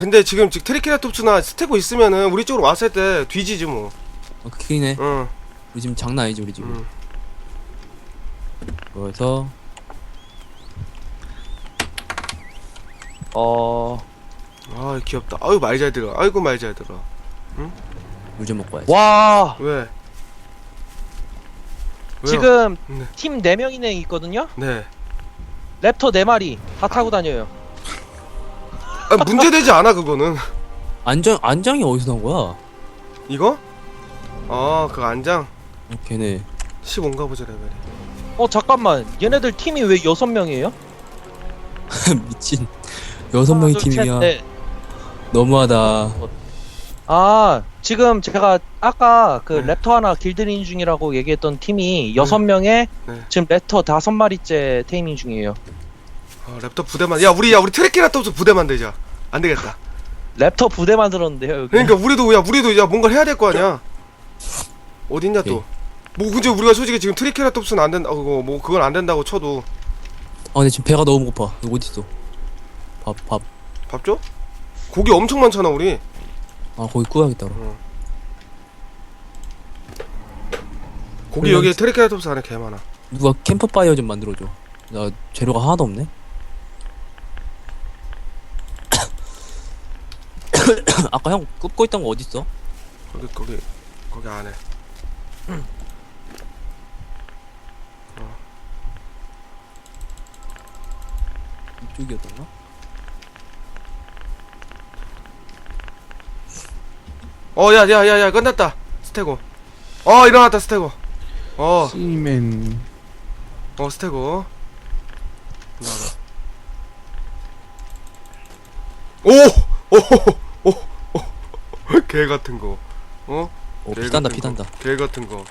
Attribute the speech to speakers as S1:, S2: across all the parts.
S1: 근데 지금 트리케라톱스나 스테고 있으면은 우리 쪽으로 왔을 때 뒤지지 뭐.
S2: 크긴 해.
S1: 응.
S2: 우리 지금 장난 아니지 우리 지금.
S1: 응.
S2: 그래서
S1: 아 귀엽다. 아유 말 잘 들어. 아이고 말 잘 들어.
S2: 물 좀 먹고 와야지.
S3: 와
S1: 왜? 왜요?
S3: 지금
S1: 네.
S3: 팀 4명이나 있거든요?
S1: 네.
S3: 랩터 4마리 다 타고 다녀요.
S1: 아, 문제되지 않아 그거는.
S2: 안장이 어디서 나온 거야?
S1: 이거? 그 안장
S2: 걔네
S1: 15인가 보자 레벨이.
S3: 잠깐만 얘네들 팀이 왜 6명이에요?
S2: 미친 6명이 팀이야. 너무하다.
S3: 지금 제가 아까 그
S1: 네.
S3: 랩터 하나 길들이는 중이라고 얘기했던 팀이 6명에
S1: 네.
S3: 지금 랩터 5마리째 테이밍 중이에요.
S1: 랩터 부대만. 야 우리 트리케라톱스 부대 만들자. 안 되겠다.
S3: 랩터 부대 만들었는데요 여기.
S1: 그러니까 우리도 뭔가를 해야 될 거 아니야. 어딨냐 또. 뭐 근데 우리가 솔직히 지금 트리케라톱스는 안 된다. 뭐 그건 안 된다고 쳐도
S2: 근데 지금 배가 너무 고파. 이거 어딨어? 밥.
S1: 밥 줘? 고기 엄청 많잖아 우리.
S2: 거기 구워야겠다 그럼.
S1: 고기 여기 트리케라톱스 안에 개 많아.
S2: 누가 캠프파이어 좀 만들어줘. 나 재료가 하나도 없네. 아까 형 굽고 있던 거 어딨어?
S1: 거기 안에.
S2: 이쪽이었던가?
S1: 야야야야 끝났다. 스테고. 일어났다 스테고.
S4: 씨맨.
S1: 스테고. 나와. 개 같은 거.
S2: 피단다 피단다.
S1: 개 같은 거.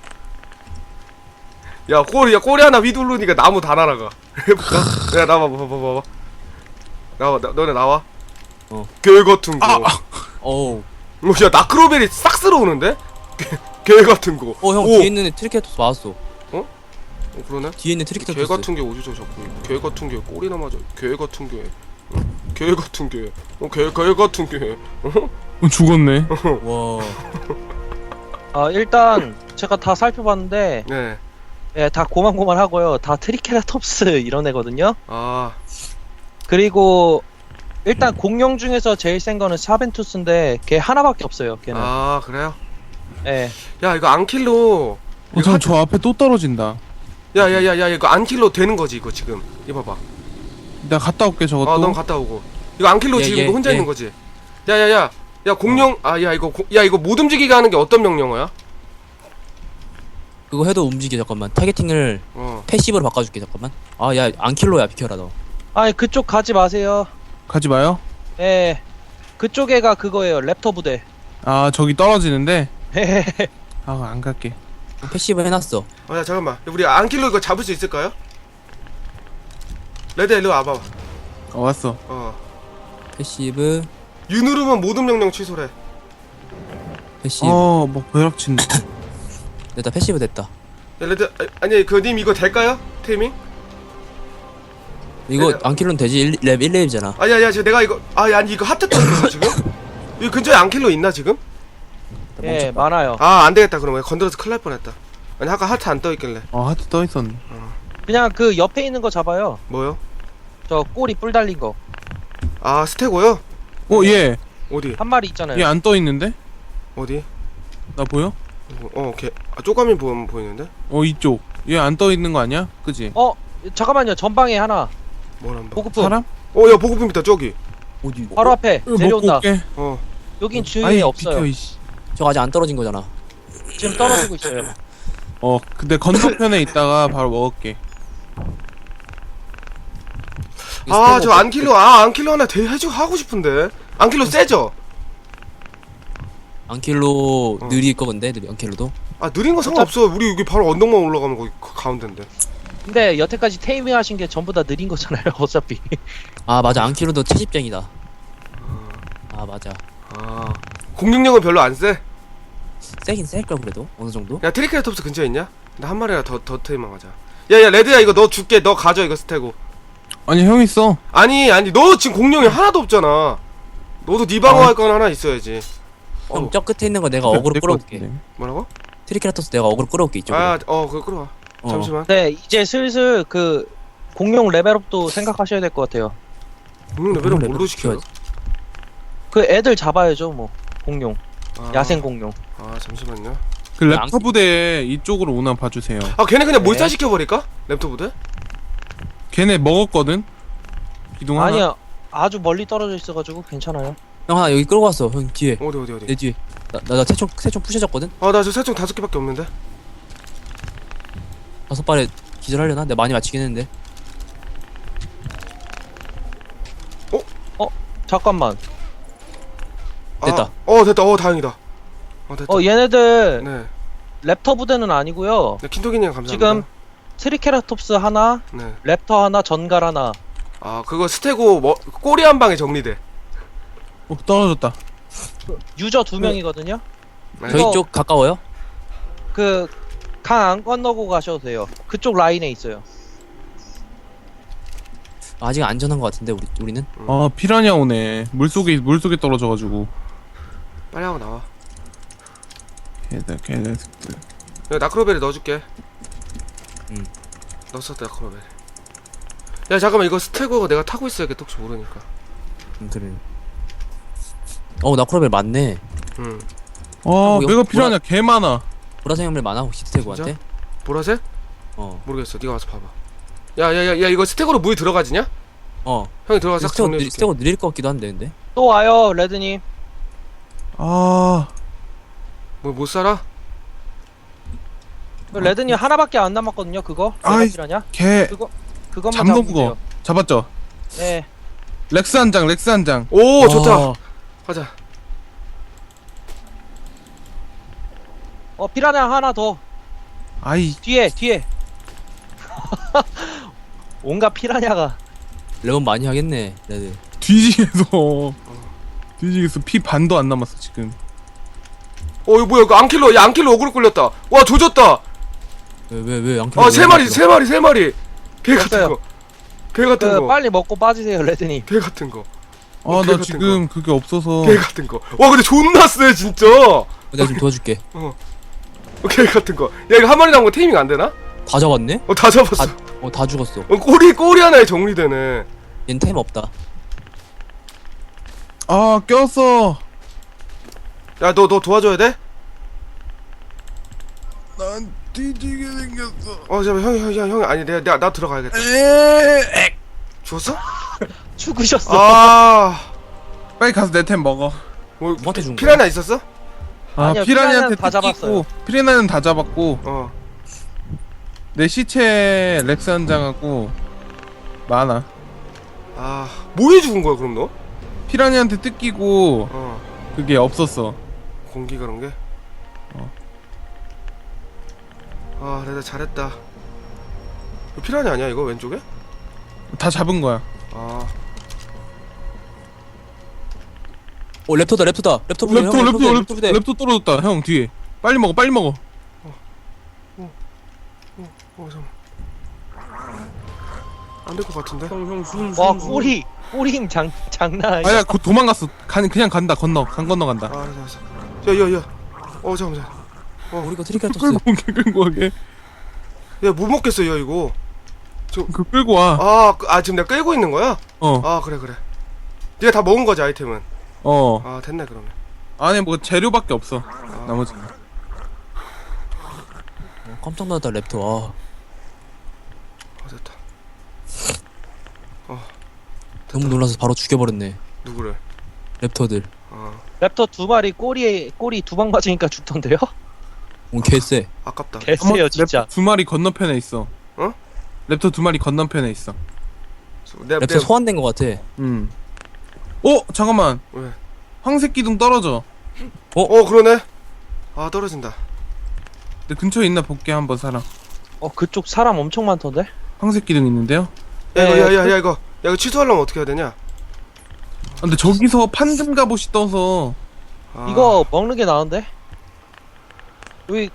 S1: 야 꼬리 하나 휘두르니까 나무 다 날아가. 해볼까? 야 나와 봐봐. 너네 나와. 개 같은 거.
S2: 어우.
S1: 야 나크로벨이 싹 쓸어오는데? 개 같은 거.
S2: 형 뒤에 있는 애 트리케라톱스 맞았어.
S1: 그러네.
S2: 뒤에 있는
S1: 개
S2: 트리케라톱스.
S1: 같은 게 어디서 자꾸 개 같은 게 꼬리나 맞아. 개 같은 게. 개 같은 게. 개 같은 게.
S4: 죽었네.
S2: 와.
S3: 일단 제가 다 살펴봤는데
S1: 네.
S3: 다 고만고만하고요. 다 트리케라톱스 이런 애거든요.
S1: 아.
S3: 그리고 일단 공룡 중에서 제일 센 거는 사벤투스인데 걔 하나밖에 없어요. 걔는.
S1: 아 그래요?
S3: 예.
S1: 야 이거 안킬로.
S4: 저 앞에 또 떨어진다.
S1: 야야야야 이거 안킬로 되는 거지 이거 지금. 이거 봐봐.
S4: 내가 갔다 올게 저것도.
S1: 넌 갔다 오고. 이거 안킬로 지금 이거 혼자 있는 거지. 야야야. 야 공룡. 이거 못 움직이게 하는 게 어떤 명령어야?
S2: 그거 해도 움직여 잠깐만. 타겟팅을 패시브로 바꿔줄게 잠깐만. 야 안킬로야 비켜라 너.
S3: 아니 그쪽 가지 마세요.
S4: 가지 마요.
S3: 예. 그쪽 애가 그거예요. 랩터 부대.
S4: 저기 떨어지는데. 안 갈게.
S2: 패시브 해놨어.
S1: 야 잠깐만. 우리 안킬로 이거 잡을 수 있을까요? 레드 일로 와봐.
S4: 왔어.
S2: 패시브.
S1: U 누르면 모든 명령 취소래.
S2: 패시브.
S4: 뭐 벼락친다.
S2: 됐다 패시브 됐다.
S1: 야 레드 아니 님 이거 될까요? 테이밍?
S2: 이거
S1: 네.
S2: 안킬로는 되지. 랩 1렙이잖아.
S1: 아니야 지금 내가 이거 아니 이거 하트 떴어 지금? 이 근처에 안킬로 있나 지금?
S3: 예, 많아요.
S1: 안되겠다 그러면 건드려서 큰일 날 뻔했다. 아니 아까 하트 안 떠있길래.
S4: 하트 떠있었네.
S3: 그냥 그 옆에 있는 거 잡아요.
S1: 뭐요?
S3: 저 꼬리 뿔 달린 거.
S1: 스테고요?
S4: 얘.
S1: 어디?
S3: 한 마리 있잖아요.
S4: 얘 안 떠있는데?
S1: 어디?
S4: 나 보여?
S1: 걔 쪼가미 보이는데?
S4: 이쪽. 얘 안 떠있는 거 아니야? 그지?
S3: 잠깐만요. 전방에 하나.
S1: 뭐란 봐.
S3: 보급품.
S4: 사람?
S1: 야 보급품 있다 저기.
S2: 어디?
S3: 바로 앞에
S4: 먹고
S3: 내려온다.
S4: 올게.
S3: 여긴 주위에
S4: 아이
S3: 없어요.
S4: 비켜 이씨.
S2: 저거 아직 안 떨어진 거잖아.
S3: 지금 떨어지고 있어요.
S4: 근데 건너편에 있다가 바로 먹을게.
S1: 저 안킬로 안킬로 하나 하고 싶은데. 안킬로 세죠?
S2: 안킬로 느릴 거 근데 안킬로도.
S1: 느린 거 상관없어. 우리 여기 바로 언덕만 올라가면 거기 가운데인데.
S3: 근데 여태까지 테이밍 하신 게 전부 다 느린 거잖아요. 어차피.
S2: 맞아 안킬로도 채집쟁이다. 맞아.
S1: 공격력은 별로 안 세?
S2: 세긴 셀걸 그래도 어느 정도?
S1: 야 트리케라톱스 근처에 있냐? 나 한 마리나 더 테이밍 하자. 야야 레드야 이거 너 줄게. 너 가져 이거 스테고.
S4: 아니 형 있어.
S1: 아니 너 지금 공룡이 하나도 없잖아. 너도 네 방어할 건 하나 있어야지.
S2: 그럼 저 끝에 있는 거 내가 어그로
S4: 될것
S2: 끌어올게.
S4: 같은데.
S1: 뭐라고?
S2: 트리케라톱스 내가 어그로 끌어올게 이쪽으로.
S1: 그거 끌어와.
S2: 어.
S1: 잠시만.
S3: 네, 이제 슬슬 그 공룡 레벨업도 생각하셔야 될 것 같아요.
S1: 공룡 레벨은
S2: 공룡
S1: 뭘로
S2: 레벨
S1: 시켜요?
S3: 그 애들 잡아야죠, 뭐. 공룡.
S1: 아,
S3: 야생 공룡.
S1: 잠시만요.
S4: 그 랩터 부대 이쪽으로 오나 봐주세요.
S1: 걔네 그냥
S3: 네.
S1: 몰살시켜버릴까? 랩터 부대?
S4: 걔네 먹었거든. 기둥 하나.
S3: 아니야. 아주 멀리 떨어져 있어가지고 괜찮아요.
S2: 형 하나 여기 끌고 왔어. 형 뒤에.
S1: 어디?
S2: 내 뒤에. 나 세총 부셔졌거든.
S1: 나 저 살충 5개밖에 없는데.
S2: 5발에 기절하려나? 내가 많이 맞히긴 했는데.
S3: 잠깐만.
S2: 됐다.
S1: 됐다. 다행이다. 됐다.
S3: 얘네들
S1: 네.
S3: 랩터 부대는 아니고요.
S1: 네, 킨토기님 감사합니다.
S3: 지금 트리케라톱스 하나,
S1: 네.
S3: 랩터 하나, 전갈 하나.
S1: 그거 스테고 꼬리 한 방에 정리돼.
S4: 떨어졌다.
S3: 유저 2명이거든요.
S1: 네.
S2: 저희 쪽 가까워요?
S3: 그 강 안 건너고 가셔도 돼요. 그쪽 라인에 있어요.
S2: 아직 안전한 것 같은데 우리는.
S4: 피라냐 오네. 물속에 떨어져가지고.
S1: 빨리 하고 나와.
S4: 걔네.
S1: 내가 나크로벨에 넣어줄게.
S2: 응.
S1: 넣었어 나크로벨. 야 잠깐만 이거 스테고 내가 타고 있어야겠다 혹시 모르니까.
S2: 그래. 나크로벨 많네.
S4: 내가 피라냐 개 많아.
S2: 보라색 형들 많아 혹시 스테고한테?
S1: 보라색?
S2: 어.
S1: 모르겠어. 네가 와서 봐봐. 야 이거 스테고로 물이 들어가지냐? 형이 들어가서 싹 정리해줄게.
S2: 스테고 느릴 것 같기도 한데 근데.
S3: 또 와요, 레드님.
S1: 못 살아?
S3: 레드님 하나밖에 안 남았거든요. 그거.
S4: 아이,
S3: 필요하냐?
S4: 걔
S3: 그것만
S4: 잡는
S3: 잡으면
S4: 거
S3: 돼요.
S4: 잡았죠?
S3: 네.
S4: 렉스 한 장.
S1: 오 좋다. 가자.
S3: 피라냐 하나 더.
S4: 아이
S3: 뒤에. 온갖 피라냐가.
S2: 레몬 많이 하겠네 레드.
S4: 뒤지겠어. 피 반도 안 남았어 지금.
S1: 이거 뭐야 이거 앙킬러. 야 앙킬러 어그로 끌렸다. 와 조졌다.
S2: 왜 안?
S1: 세 마리. 개 같은
S3: 됐어요.
S1: 거. 개 같은 거.
S3: 빨리 먹고 빠지세요, 레드님.
S1: 개 같은 거.
S4: 나
S1: 같은
S4: 지금 그게 없어서.
S1: 개 같은 거. 와 근데 존나 세 진짜.
S2: 내가 좀 도와줄게.
S1: 개 같은 거. 야 이거 한 마리 남은 거 테이밍 안 되나?
S2: 다 잡았네?
S1: 다 잡았어.
S2: 다 죽었어.
S1: 꼬리 하나에 정리되네.
S2: 얜 템 없다.
S4: 꼈어.
S1: 야 너 도와줘야 돼?
S4: 난 뒤지게 생겼어.
S1: 잠깐 형이 아니 나 들어가야겠다. 죽었어?
S3: 죽으셨어.
S4: 빨리 가서 내 템 먹어.
S2: 누구한테 준 거야?
S1: 피라냐 있었어?
S3: 아니요,
S4: 피라냐한테
S3: 피라냐는 다 잡았어요.
S4: 피라냐는 다 잡았고 내 시체 렉스 한 장하고 많아.
S1: 뭐해 죽은 거야 그럼 너?
S4: 피라냐한테 뜯기고 그게 없었어.
S1: 공기 그런 게? 내가 잘했다. 이거 피라냐 아니야 이거 왼쪽에?
S4: 다 잡은 거야.
S2: 랩터다. 랩터 부대.
S4: 랩터 떨어졌다. 형 뒤에. 빨리 먹어.
S1: 잠깐. 안될 것 같은데?
S3: 와, 꼬리 힘 장난 아니야.
S4: 아야, 도망갔어. 그냥 간다. 강 건너 간다.
S1: 알았어. 야. 잠깐만.
S2: 우리가 트리케라톱스.
S4: 끌고 가게.
S1: 야 못 먹겠어 야 이거.
S4: 그 끌고 와.
S1: 지금 내가 끌고 있는 거야? 그래. 네가 다 먹은 거지 아이템은. 됐네 그러면.
S4: 안에 뭐 재료밖에 없어. 나머지.
S2: 깜짝 놀랐다 랩터.
S1: 됐다.
S2: 너무 놀라서 바로 죽여버렸네.
S1: 누구를?
S2: 랩터들.
S3: 랩터 2마리 꼬리 2방 맞으니까 죽던데요?
S2: 개쎄.
S1: 아깝다.
S3: 개쎄요 진짜.
S4: 랩터 2마리 건너편에 있어. 랩터 2마리 건너편에 있어.
S2: 랩터 소환된 것 같아.
S4: 잠깐만.
S1: 왜?
S4: 황색 기둥 떨어져.
S1: 그러네. 떨어진다.
S4: 내 근처에 있나 볼게 한번 사람.
S3: 그쪽 사람 엄청 많던데?
S4: 황색 기둥 있는데요?
S1: 야 이거 취소하려면 어떻게 해야 되냐?
S4: 근데 저기서 판금 갑옷이 떠서
S3: 이거 먹는 게 나은데? 여기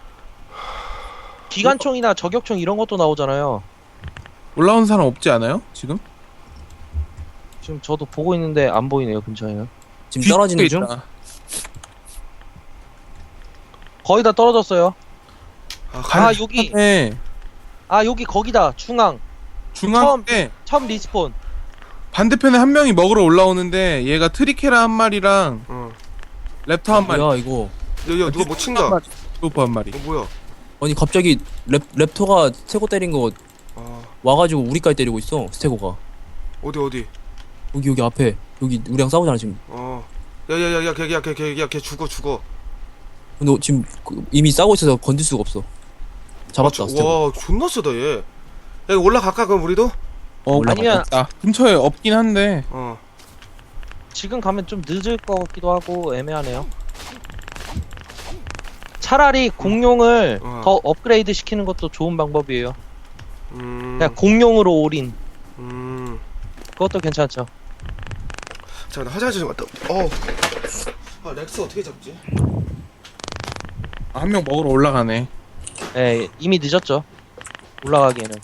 S3: 기관총이나 저격총 이런 것도 나오잖아요.
S4: 올라온 사람 없지 않아요? 지금?
S3: 지금 저도 보고 있는데 안 보이네요 근처에는.
S2: 지금 떨어지는 중?
S4: 있다.
S3: 거의 다 떨어졌어요.
S1: 아,
S3: 여기.
S4: 네.
S3: 여기 거기다. 중앙.
S4: 중앙에
S3: 처음 리스폰.
S4: 반대편에 한 명이 먹으러 올라오는데 얘가 트리케라 한 마리랑
S1: 어.
S4: 랩터 한 마리.
S2: 뭐야 이거?
S1: 야, 누가 뭐 친다.
S4: 로프 한 마리.
S1: 뭐야?
S2: 아니 갑자기 랩터가 스테고 때린 거
S1: 아,
S2: 와가지고 우리까지 때리고 있어. 스테고가
S1: 어디?
S2: 여기 앞에 여기 우리랑 싸우잖아 지금.
S1: 야야야야, 걔 죽어.
S2: 근데 지금 이미 싸우고 있어서 건들 수가 없어. 잡았다 스테고.
S1: 와, 존나 세다 얘. 야, 이거 올라갈까 그럼 우리도?
S3: 아니면
S4: 아, 근처에 없긴 한데.
S3: 지금 가면 좀 늦을 것 같기도 하고 애매하네요. 차라리 공룡을 더 업그레이드 시키는 것도 좋은 방법이에요. 그냥 공룡으로 올인. 그것도 괜찮죠.
S1: 자, 나 화장실 좀 갔다. 렉스 어떻게 잡지?
S4: 한 명 먹으러 올라가네.
S3: 예, 이미 늦었죠. 올라가기에는.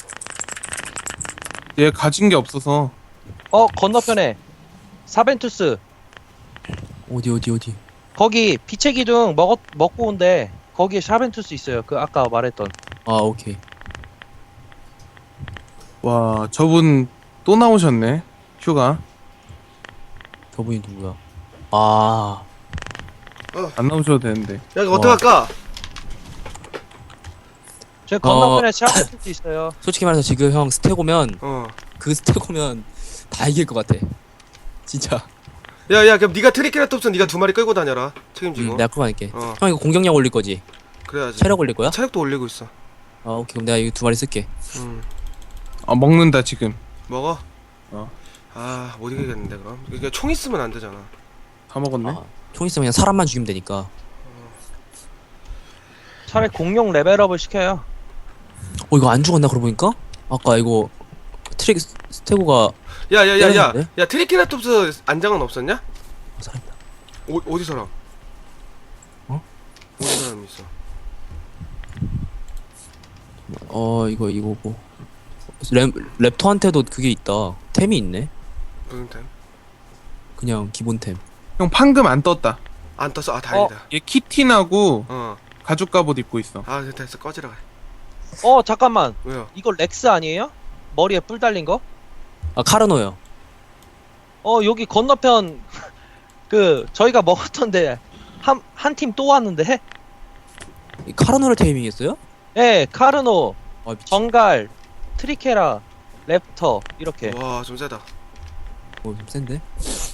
S4: 얘 가진 게 없어서.
S3: 건너편에 사벤투스.
S2: 어디?
S3: 거기 빛의 기둥 먹고 온데 거기에 사벤투스 있어요. 그 아까 말했던.
S2: 아 오케이.
S4: 와, 저분 또 나오셨네. 휴가.
S2: 저분이 누구야? 아
S4: 안 나오셔도 되는데.
S1: 야, 이거 어떡할까?
S3: 저 건너편에 사벤투스 있어요.
S2: 솔직히 말해서 지금 형 스테고면
S1: 어.
S2: 그 스테고면 다 이길 것 같아. 진짜.
S1: 야, 그럼 네가 트리케라톱스 네가 2마리 끌고 다녀라. 책임지고.
S2: 내가 그거 할게.
S1: 어.
S2: 형 이거 공격력 올릴 거지?
S1: 그래야지.
S2: 체력 올릴 거야?
S1: 체력도 올리고 있어.
S2: 아 오케이 그럼 내가 이거 2마리 쓸게.
S4: 먹는다 지금.
S1: 먹어?
S4: 어.
S1: 아, 못 이기겠는데 그럼. 이게 총 있으면 안 되잖아.
S4: 다 먹었네.
S2: 아, 총 있으면 그냥 사람만 죽이면 되니까.
S3: 차라리 공룡 레벨업을 시켜요.
S2: 이거 안 죽었나 그러고 보니까? 아까 이거 스테고가
S1: 야,
S2: 때렸는데?
S1: 야, 트리케라톱스 안장은 없었냐?
S2: 살아있다.
S1: 어디 사람?
S2: 어?
S1: 어디 사람 있어?
S2: 이거 뭐 랩터한테도 그게 있다. 템이 있네.
S1: 무슨 템?
S2: 그냥 기본템.
S4: 형 판금 안 떴다.
S1: 안 떴어. 아, 다행이다.
S4: 얘 키틴하고
S1: 어.
S4: 가죽 갑옷 입고 있어.
S1: 아, 됐어. 꺼지라.
S3: 잠깐만.
S1: 왜요?
S3: 이거 렉스 아니에요? 머리에 뿔 달린 거?
S2: 아 카르노요.
S3: 여기 건너편 저희가 먹었던데 한 팀 또 왔는데?
S2: 이 카르노를 테이밍했어요?
S3: 예, 카르노,
S2: 아 미친.
S3: 정갈, 트리케라, 랩터 이렇게.
S1: 와, 좀 세다.
S2: 좀 센데?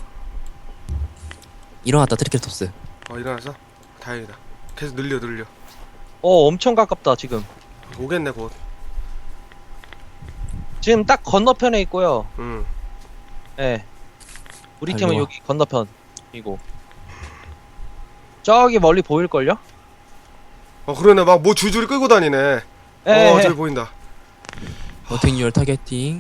S2: 일어났다 트리케라톱스.
S1: 일어나서? 다행이다. 계속 늘려.
S3: 엄청 가깝다 지금.
S1: 오겠네 곧.
S3: 지금 딱 건너편에 있고요. 예. 우리 팀은
S2: 아이고.
S3: 여기 건너편이고. 저기 멀리 보일걸요?
S1: 그러네. 막 뭐 줄줄이 끌고 다니네.
S3: 예,
S1: 저기 보인다.
S2: 어택 유얼 타겟팅.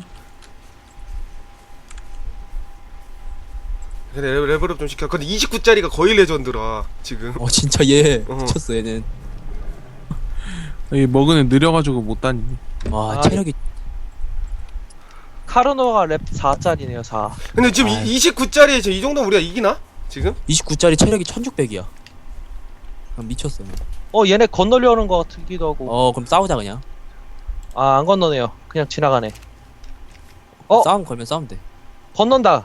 S1: 근데 레벨업 좀 시켜. 근데 29짜리가 거의 레전드라 지금.
S2: 진짜 얘
S1: 어.
S2: 미쳤어 얘는.
S4: 이 먹은 애 느려가지고 못 다니네.
S2: 와
S3: 아,
S2: 체력이
S3: 카르노가 랩 4짜리네요, 4.
S1: 근데 지금
S2: 아이.
S1: 29짜리 이 정도면 우리가 이기나? 지금?
S2: 29짜리 체력이 1600이야. 미쳤어.
S3: 얘네 건너려는 것 같기도 하고.
S2: 그럼 싸우자 그냥.
S3: 안 건너네요. 그냥 지나가네.
S2: 싸움 걸면 싸우면 돼.
S3: 건넌다.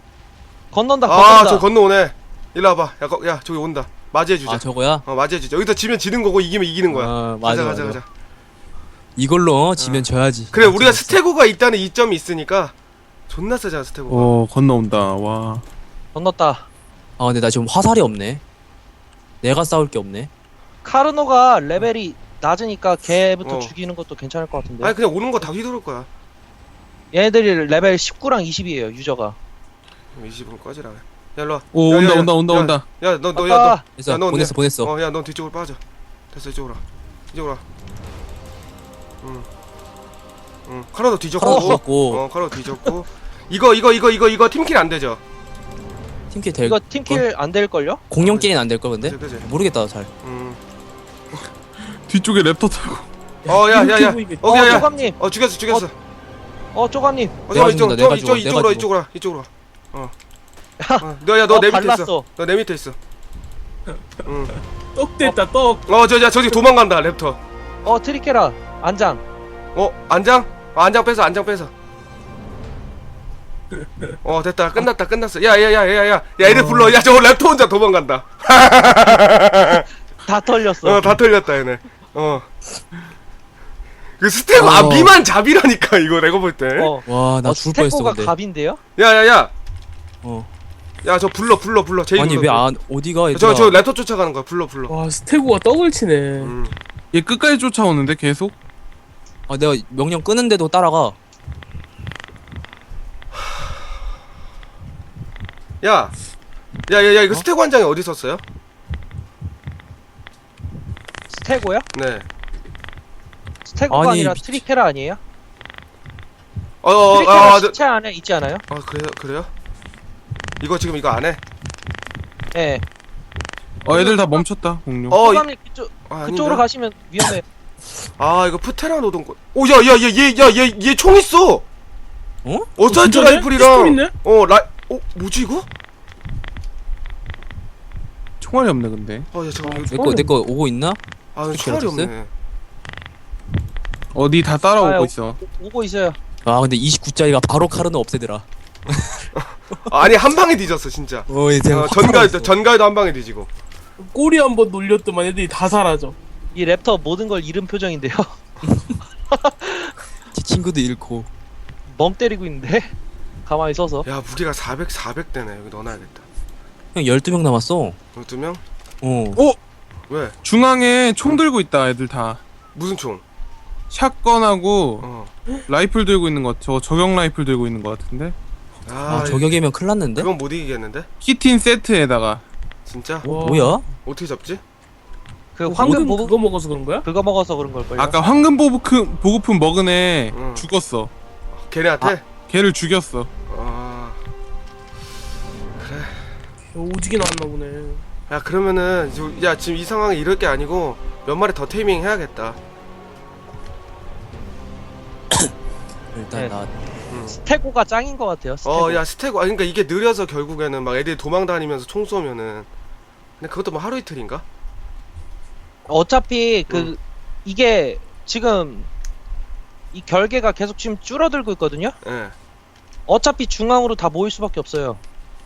S1: 저 건너오네. 일로 와봐. 야, 저기 온다. 맞이해주자.
S2: 아 저거야?
S1: 맞이해주자. 여기다 지면 지는 거고 이기면 이기는 거야.
S2: 맞아.
S1: 가자.
S2: 이걸로 지면 져야지.
S1: 그래, 우리가 스테고가 있다는 이점이 있으니까 존나 세잖아, 스테고가.
S4: 건너온다. 와.
S3: 건넜다.
S2: 근데 나 지금 화살이 없네. 내가 싸울 게 없네.
S3: 카르노가 레벨이 낮으니까 걔부터
S1: 어.
S3: 죽이는 것도 괜찮을 것 같은데.
S1: 아니, 그냥 오는 거 다 휘두를 거야.
S3: 얘네들이 레벨 19랑 20이에요, 유저가.
S1: 20분 꺼지라. 야, 일로 와.
S4: 오,
S1: 야,
S4: 온다.
S1: 야, 너.
S2: 됐어.
S1: 야, 너
S2: 보냈어.
S1: 야, 넌 뒤쪽으로 빠져. 됐어, 이쪽으로 와. 카라도 뒤졌고.
S2: 카라도 죽었고.
S1: 카라도 뒤졌고. 이거 팀킬 안 되죠?
S2: 팀킬 될.
S3: 이거 팀킬 안 될걸요?
S2: 공룡끼리는 안 될 거 근데.
S1: 그치.
S2: 모르겠다 잘.
S4: 뒤쪽에 랩터 타고.
S1: 야. 야.
S3: 쪼감님.
S1: 죽였어.
S3: 쪼감님.
S1: 잠깐만,
S2: 죽는다, 내가 죽어,
S1: 이쪽으로 와. 너 내 밑에 있어.
S3: 발랐어.
S1: 너 내 밑에 있어. 응.
S5: 떡 됐다 떡.
S1: 저기 도망간다 랩터.
S3: 트리케라 안장.
S1: 안장? 안장 뺏어. 됐다. 끝났어. 야, 애들 불러. 야, 저거 랩터 혼자 도망간다.
S3: 다 털렸어.
S1: 다 털렸다, 얘네. 그 스테고, 미만 잡이라니까, 이거 내가 볼 때.
S2: 와, 나 죽을 뻔했어,
S3: 스테고가
S2: 근데.
S3: 갑인데요?
S1: 야.
S2: 어.
S1: 야, 저 불러. 제일
S2: 아니, 왜 어디가,
S1: 저
S2: 얘들아.
S1: 랩터 쫓아가는 거야, 불러.
S5: 와 스테고가 떡을 치네.
S4: 얘 끝까지 쫓아오는데 계속.
S2: 내가 명령 끄는데도 따라가.
S1: 야, 이거 스테고 한 장이 어디 있었어요?
S3: 스테고요?
S1: 네.
S3: 스테고가
S2: 아니,
S3: 아니라 트리케라 아니에요?
S1: 어,
S3: 트리케라 시체 안에 있지 않아요?
S1: 그래요? 이거 지금 이거 안 해?
S3: 예.
S4: 애들 다 멈췄다 공룡.
S3: 소감님 그쪽으로
S1: 아닌데?
S3: 가시면 위험해.
S1: 이거 프테라 노동권. 얘 총 있어. 어사이트
S5: 진짜네?
S1: 라이플이랑.
S5: 피스톨 있네?
S1: 뭐지 이거?
S4: 총알이 없네 근데.
S1: 야 잠깐만.
S2: 내 거 오고 있나?
S1: 총알이 없네.
S4: 어디 다 따라오고
S3: 아유.
S4: 있어.
S3: 오고 있어요.
S2: 근데 29짜리가 바로 카르는 없애더라.
S1: 아니 한 방에 뒤졌어 진짜.
S2: 이제
S1: 전가에도 한 방에 뒤지고.
S5: 꼬리 한번 놀렸더만 애들이 다 사라져.
S3: 이 랩터 모든 걸 잃은 표정인데요.
S2: 제 친구도 잃고.
S3: 멍 때리고 있는데 가만히 서서.
S1: 야 무게가 400대네. 여기 넣어놔야겠다.
S2: 형 12명 남았어.
S1: 12명? 왜?
S4: 중앙에 총 들고 있다 애들 다.
S1: 무슨 총?
S4: 샷건하고 라이플 들고 있는 것. 저거 저격 라이플 들고 있는 것 같은데.
S2: 저격이면 큰일 났는데?
S1: 그건 못 이기겠는데?
S4: 키틴 세트에다가.
S1: 진짜?
S2: 뭐야?
S1: 어떻게 잡지?
S3: 그 황금 보급
S5: 그거 먹어서 그런 거야?
S3: 그거 먹어서 그런 걸걸요.
S4: 아까 황금 보급품 먹은 애
S1: 응.
S4: 죽었어.
S1: 걔네한테?
S4: 걔를 죽였어.
S5: 오지게 나왔나 보네.
S1: 야 그러면은 지금 이 상황에 이럴 게 아니고 몇 마리 더 테이밍 해야겠다.
S2: 일단
S3: 네.
S2: 나
S3: 스테고가 짱인 것 같아요. 스테고.
S1: 야 스테고 그러니까 이게 느려서 결국에는 막 애들이 도망다니면서 총 쏘면은 근데 그것도 뭐 하루 이틀인가?
S3: 어차피 이게 지금 이 결계가 계속 지금 줄어들고 있거든요.
S1: 예.
S3: 어차피 중앙으로 다 모일 수밖에 없어요.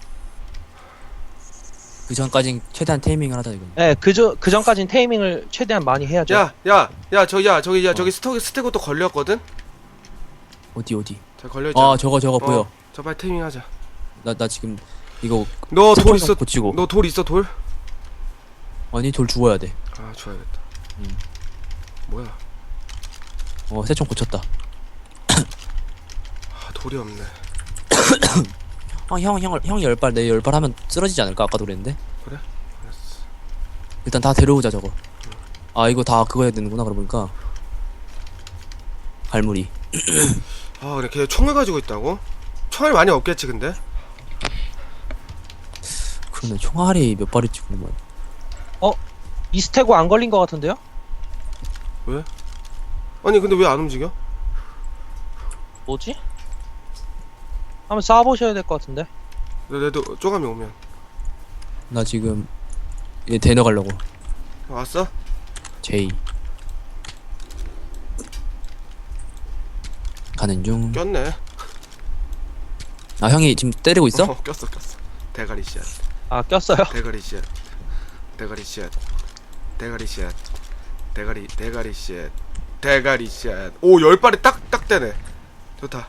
S2: 그 전까진 최대한 테이밍을 하자 이건.
S3: 네, 그 전까진 테이밍을 최대한 많이 해야죠.
S1: 저기 스테고 또 걸렸거든?
S2: 어디?
S1: 자 걸려있잖아.
S2: 저거 보여.
S1: 저 빨리 테이밍 하자.
S2: 나 지금 이거
S1: 너 돌 있어?
S2: 고치고.
S1: 너 돌 있어 돌?
S2: 아니 돌 죽어야 돼.
S1: 줘야겠다. 뭐야?
S2: 새총 고쳤다.
S1: 돌이 없네.
S2: 형이 10발 내 10발 하면 쓰러지지 않을까? 아까도 그랬는데.
S1: 그래? 알았어.
S2: 일단 다 데려오자 저거. 이거 다 그거 해야 되는구나 그러고 보니까. 갈무리.
S1: 근데 걔 총을 가지고 있다고? 총알이 많이 없겠지 근데?
S2: 그러네 총알이 몇 발이 찍는 거야.
S3: 이 스테고 안 걸린 것 같은데요?
S1: 왜? 아니 근데 왜 안 움직여?
S3: 뭐지? 한번 쏴보셔야 될 것 같은데.
S1: 내도 쪼감이 오면.
S2: 나 지금 얘 데려가려고.
S1: 왔어?
S2: 제이. 가는 중.
S1: 꼈네.
S2: 형이 지금 때리고 있어?
S1: 꼈어. 대가리 씨앗.
S3: 꼈어요?
S1: 대가리 씨앗. 대가리 씨앗. 오 10발이 딱 되네. 좋다.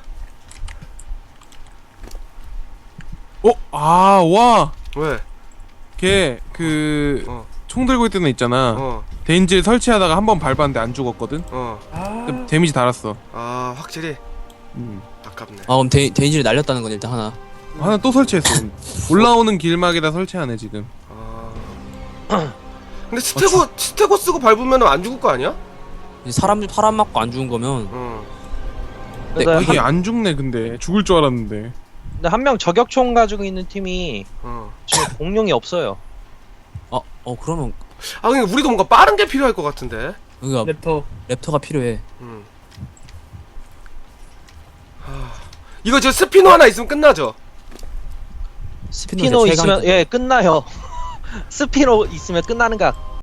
S4: 와.
S1: 왜?
S4: 걔 총 들고 있던 애 있잖아. 데인지를 설치하다가 한 번 밟았는데 안 죽었거든. 근데 데미지 달았어.
S1: 확실히 아깝네.
S2: 그럼 데인지를 날렸다는 건 일단 하나.
S4: 하나 또 설치했어. 올라오는 길막에다 설치하네 지금.
S1: 근데 스테고 쓰고 밟으면 안 죽을 거 아니야?
S2: 이제 사람 맞고 안 죽은 거면 네,
S3: 근데
S4: 이게 안 죽네 근데 죽을 줄 알았는데.
S3: 한 명 저격총 가지고 있는 팀이 지금 공룡이 없어요.
S2: 그러면
S1: 그러니까 우리도 뭔가 빠른 게 필요할 것 같은데.
S2: 그러니까 랩터가 필요해.
S1: 이거 저 스피너 하나 있으면 끝나죠?
S3: 스피노 있으면 예 끝나요. 스피노 있으면 끝나는 각.